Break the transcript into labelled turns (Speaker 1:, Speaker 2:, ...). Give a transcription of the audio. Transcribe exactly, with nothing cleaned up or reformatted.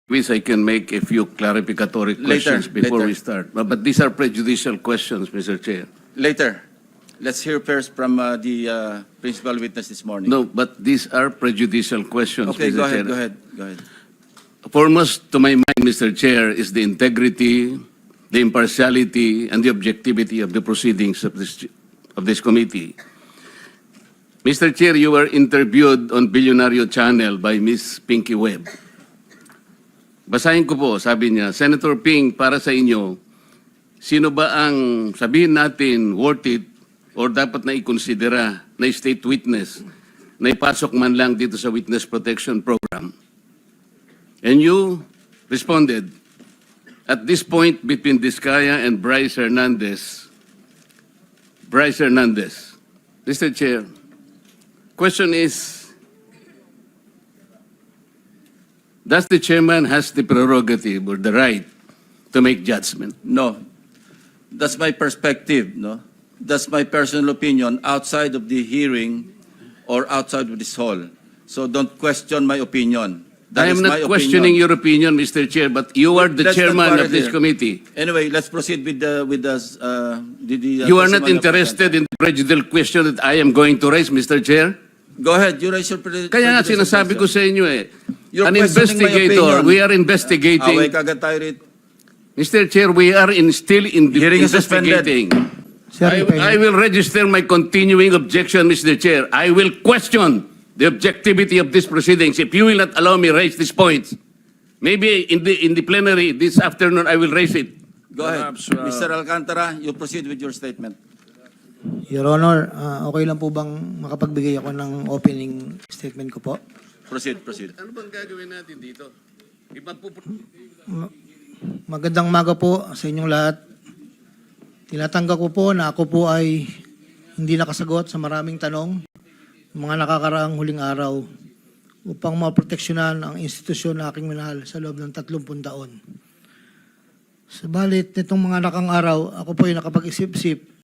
Speaker 1: wish I can make a few clarificatory questions
Speaker 2: Later,
Speaker 1: before
Speaker 2: later.
Speaker 1: we start. But, but these are prejudicial questions, Mister Chair.
Speaker 2: Later. Let's hear first from uh, the uh, principal witness this morning.
Speaker 1: No, but these are prejudicial questions,
Speaker 2: Okay,
Speaker 1: Mister
Speaker 2: go ahead,
Speaker 1: Chair.
Speaker 2: go ahead, go ahead.
Speaker 1: Foremost to my mind, Mister Chair, is the integrity, the impartiality, and the objectivity of the proceedings of this, of this committee. Mister Chair, you were interviewed on Billionario Channel by Miss Pinky Webb. Basahin ko po, sabi niya, Senator Ping, para sa inyo, sino ba ang sabihin natin worth it or dapat na ikonsidera na state witness na ipasok man lang dito sa Witness Protection Program? And you responded, at this point between Diskaya and Bryce Hernandez, Bryce Hernandez, Mister Chair, question is, does the chairman has the prerogative or the right to make judgment?
Speaker 2: No. That's my perspective, no? That's my personal opinion outside of the hearing or outside of this hall. So don't question my opinion. That
Speaker 1: I am
Speaker 2: is
Speaker 1: not
Speaker 2: my
Speaker 1: questioning
Speaker 2: opinion.
Speaker 1: your opinion, Mister Chair, but you are the
Speaker 2: Let's not
Speaker 1: chairman
Speaker 2: quarrel
Speaker 1: of this
Speaker 2: here.
Speaker 1: committee.
Speaker 2: Anyway, let's proceed with the with the uh, the, the uh,
Speaker 1: You are not
Speaker 2: testimony of
Speaker 1: interested in the prejudicial question that I am going to raise, Mister Chair?
Speaker 2: Go ahead, you raise your pre-
Speaker 1: Kaya nga
Speaker 2: prejudicial
Speaker 1: sinasabi ko
Speaker 2: question.
Speaker 1: sa inyo eh,
Speaker 2: You're
Speaker 1: an
Speaker 2: questioning my
Speaker 1: investigator,
Speaker 2: opinion.
Speaker 1: we are investigating.
Speaker 2: Away kagad tayo rito.
Speaker 1: Mister Chair, we are in still in the
Speaker 2: Hearing is suspended.
Speaker 1: investigating.
Speaker 3: Sir,
Speaker 1: I,
Speaker 3: if I-
Speaker 1: I will register my continuing objection, Mister Chair. I will question the objectivity of these proceedings if you will not allow me raise these points. Maybe in the in the plenary this afternoon I will raise it.
Speaker 2: Go ahead.
Speaker 1: Perhaps, uh,
Speaker 2: Mister Alcantara, you proceed with your statement.
Speaker 3: Your Honor, ah, okay lang po bang makapagbigay ako ng opening statement ko po?
Speaker 2: Proceed, proceed.
Speaker 1: Ano bang gagawin natin dito?
Speaker 3: Ma- Magandang umaga po sa inyong lahat. Tinatanggap ko po na ako po ay hindi nakasagot sa maraming tanong mga nakakaraang huling araw upang maproteksyonan ang institusyon na aking minahal sa loob ng tatlumpung taon. Sabalit nitong mga nakang araw, ako po ay nakapag-isip-isip